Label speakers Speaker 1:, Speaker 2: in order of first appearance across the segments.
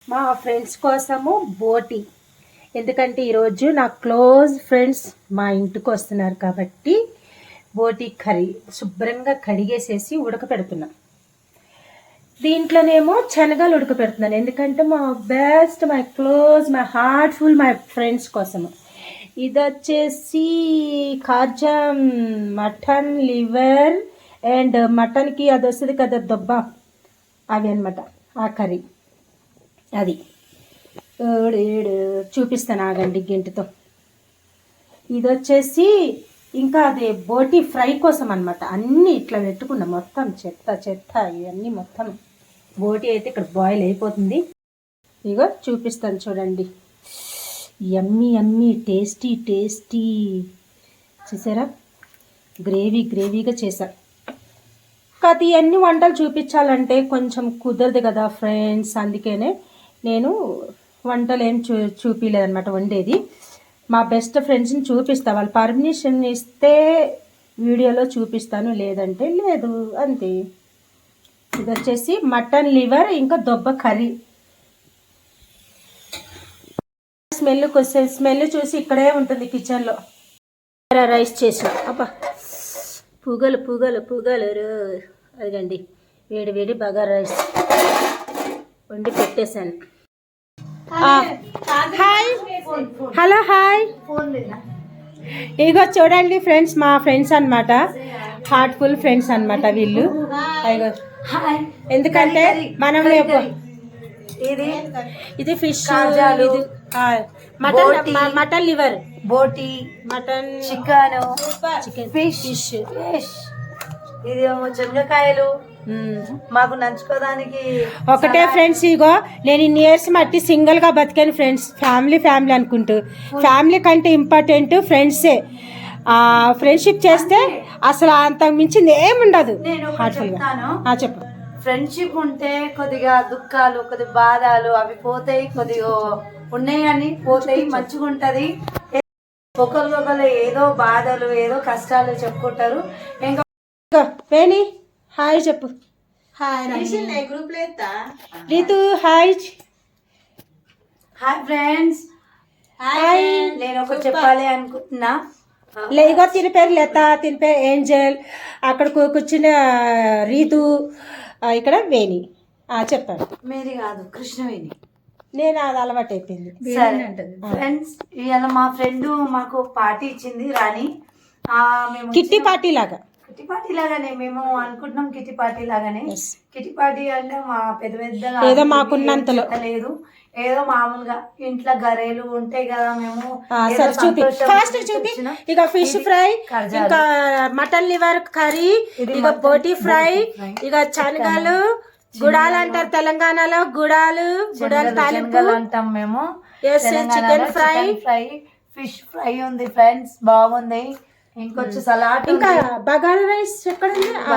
Speaker 1: మా ఫ్రెండ్స్ కోసము బోటి. ఎందుకంటే ఈరోజు నా క్లోజ్ ఫ్రెండ్స్ మా ఇంటికి వస్తున్నారు కాబట్టి బోటి కర్రీ శుభ్రంగా కడిగేసేసి ఉడకపెడుతున్నా. దీంట్లోనేమో శనగలు ఉడకపెడుతున్నాను, ఎందుకంటే మా best, my close, my heartful, my friends కోసము. ఇది వచ్చేసి కాజం మటన్ లివర్ అండ్ మటన్కి అది వస్తుంది కదా దొబ్బ, అవి అనమాట ఆ కర్రీ. అది చూపిస్తాను ఆగండి గెంటుతో. ఇది వచ్చేసి ఇంకా అది బోటి ఫ్రై కోసం అనమాట. అన్నీ ఇట్లా పెట్టుకున్నా, మొత్తం చెత్త చెత్త ఇవన్నీ మొత్తం. బోటి అయితే ఇక్కడ బాయిల్ అయిపోతుంది. ఇగో చూపిస్తాను చూడండి. Yummy yummy tasty tasty. చూసారా, గ్రేవీగా చేశా. కాదు ఇవన్నీ వంటలు చూపించాలంటే కొంచెం కుదరదు కదా ఫ్రెండ్స్, అందుకనే నేను వంటలు ఏం చూపించలేదన్నమాట. వండేది మా బెస్ట్ ఫ్రెండ్స్ని చూపిస్తా, వాళ్ళు పర్మిషన్ ఇస్తే వీడియోలో చూపిస్తాను, లేదంటే లేదు, అంతే. ఇది వచ్చేసి మటన్ లివర్ ఇంకా దొబ్బ కర్రీ. స్మెల్ చూసి ఇక్కడే ఉంటుంది కిచెన్లో. రైస్ చేసిన అబ్బా పుగలు అదిగండి, వేడి బగారా రైస్ వండి పెట్టేశాను. Hi, hello, hi. ఇగో చూడండి ఫ్రెండ్స్, మా ఫ్రెండ్స్ అనమాట, హార్ట్ఫుల్ ఫ్రెండ్స్ అనమాట వీళ్ళు. ఇగో ఎందుకంటే మనం ఇది ఫిష్, మటన్ లివర్, బోటి, మటన్, చికెన్, ఫిష్, ఇది శనగకాయలు మాకు నంచుకోవడానికి ఒకటే ఫ్రెండ్స్. ఇగో నేను ఇన్ని ఇయర్స్ మట్టి సింగిల్ గా బతికాను ఫ్రెండ్స్. ఫ్యామిలీ అనుకుంటూ, ఫ్యామిలీ కంటే ఇంపార్టెంట్ ఫ్రెండ్సే. ఫ్రెండ్షిప్ చేస్తే అసలు అంతకు మించింది ఏముండదు. చెప్పు.
Speaker 2: ఫ్రెండ్షిప్ ఉంటే కొద్దిగా దుఃఖాలు, కొద్దిగా బాధలు అవి పోతాయి, కొద్దిగా ఉన్నాయని పోతాయి, మంచిగా ఉంటది. ఒకరికొకరు ఏదో బాధలు ఏదో కష్టాలు చెప్పుకుంటారు. ఇంకా
Speaker 1: హాయ్ చెప్పు.
Speaker 2: Hi group
Speaker 1: Ritu, hi.
Speaker 2: Hi friends, hi. నేను ఒకటి చెప్పాలి అనుకుంటున్నా.
Speaker 1: ఇగో తిని పేరు లత, తిని పేరు ఏంజల్, అక్కడ కూర్చున్న రీతు, ఇక్కడ వేణి. చెప్పాను.
Speaker 2: మేరీ కాదు, కృష్ణవేణి.
Speaker 1: నేను అది అలవాటు అయిపోయింది.
Speaker 2: ఫ్రెండ్స్, ఇవాళ మా ఫ్రెండ్ మాకు పార్టీ ఇచ్చింది, రాణి. మేము
Speaker 1: కిట్టి పార్టీ లాగానే
Speaker 2: మేము అనుకుంటున్నాం. కిట్టి పార్టీ లాగానే. కిట్టి పార్టీ అంటే మా పెద్దగా
Speaker 1: ఏదో మాకున్నంతలో
Speaker 2: లేదు, ఏదో మామూలుగా ఇంట్లో గరేలు ఉంటాయి కదా. మేము
Speaker 1: ఇక ఫిష్ ఫ్రై, ఇంకా మటన్ లివర్ కర్రీ, ఇక బోటి ఫ్రై, ఇక శనగలు, గుడాలు అంటారు తెలంగాణలో, గుడాలు తాలింపు
Speaker 2: అంటాం మేము.
Speaker 1: చికెన్ ఫ్రై,
Speaker 2: ఫిష్ ఫ్రై ఉంది ఫ్రెండ్స్, బాగుంది. ఇంకొచ్చి సలాడ్,
Speaker 1: ఇంకా బగారా రైస్. ఎక్కడ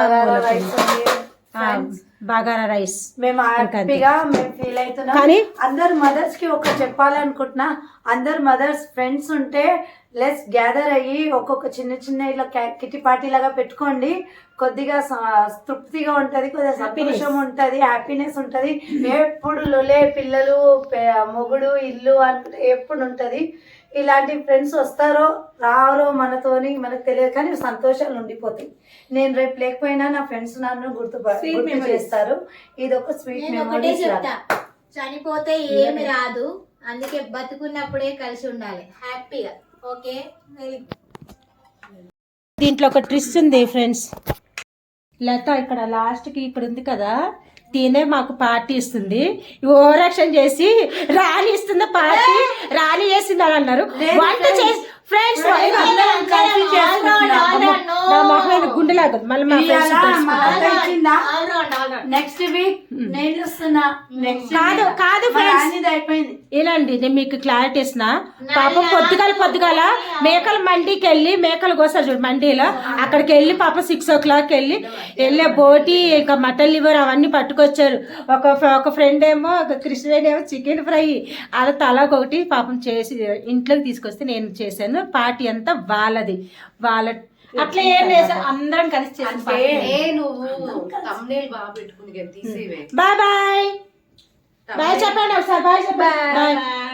Speaker 1: బగారా రైస్.
Speaker 2: మేము హ్యాపీగా మేము ఫీల్ అవుతున్నాం. కానీ అందరు మదర్స్ కి ఒక చెప్పాలనుకుంటున్నా, అందరు మదర్స్ ఫ్రెండ్స్ ఉంటే లెస్ గ్యాదర్ అయ్యి ఒక్కొక్క చిన్న ఇలా కిట్టి పార్టీ లాగా పెట్టుకోండి. కొద్దిగా తృప్తిగా ఉంటది, కొద్దిగా సంతోషం ఉంటది, హ్యాపీనెస్ ఉంటది. ఎప్పుడు లొలే పిల్లలు, మొగుడు, ఇల్లు అనుకుంటే ఎప్పుడు ఉంటది. ఇలాంటి ఫ్రెండ్స్ వస్తారో రారో మనతోని మనకు తెలియదు, కానీ సంతోషాలు ఉండిపోతాయి. నేను రేపు లేకపోయినా నా ఫ్రెండ్స్ నన్ను గుర్తు చేస్తారు. ఇది ఒక స్వీట్ మెమరీ.
Speaker 3: చనిపోతే ఏమి రాదు, అందుకే బతుకున్నప్పుడే కలిసి ఉండాలి హ్యాపీగా. ఓకే,
Speaker 1: దీంట్లో ఒక ట్విస్ట్ ఉంది ఫ్రెండ్స్. లత ఇక్కడ లాస్ట్కి ఇక్కడ ఉంది కదా, తినే మాకు పార్టీ ఇస్తుంది. ఓవర్ యాక్షన్ చేసి రాణి ఇస్తుంది పార్టీ, రాణి చేసింది అని అన్నారు. వంట చేసి ఫ్రెండ్స్ గుండెలాగా మళ్ళీ
Speaker 2: నెక్స్ట్ వీక్ నేను వస్తున్నా.
Speaker 1: కాదు
Speaker 2: అయిపోయింది.
Speaker 1: ఇలాండి నేను మీకు క్లారిటీ ఇస్తున్నా. పాపం పొద్దుగాల మేకల మండికి వెళ్ళి, మేకలు కోసారు చూడు మండీలో, అక్కడికి వెళ్ళి పాపం 6 o'clock వెళ్ళే బోటి ఇంకా మటన్ లివర్ అవన్నీ పట్టుకొచ్చారు. ఒక ఫ్రెండ్ ఏమో, కృష్ణవేణి ఏమో చికెన్ ఫ్రై, అలా తలాకొకటి పాపం చేసి ఇంట్లోకి తీసుకొస్తే నేను చేశాను. పార్టీ అంతా వాళ్ళది, వాళ్ళ అట్లా ఏం లేదు, అందరం కలిసి చేసాం. Bye bye. బాయ్ చెప్పండి ఒకసారి, బాయ్ చెప్పండి. బాయ్.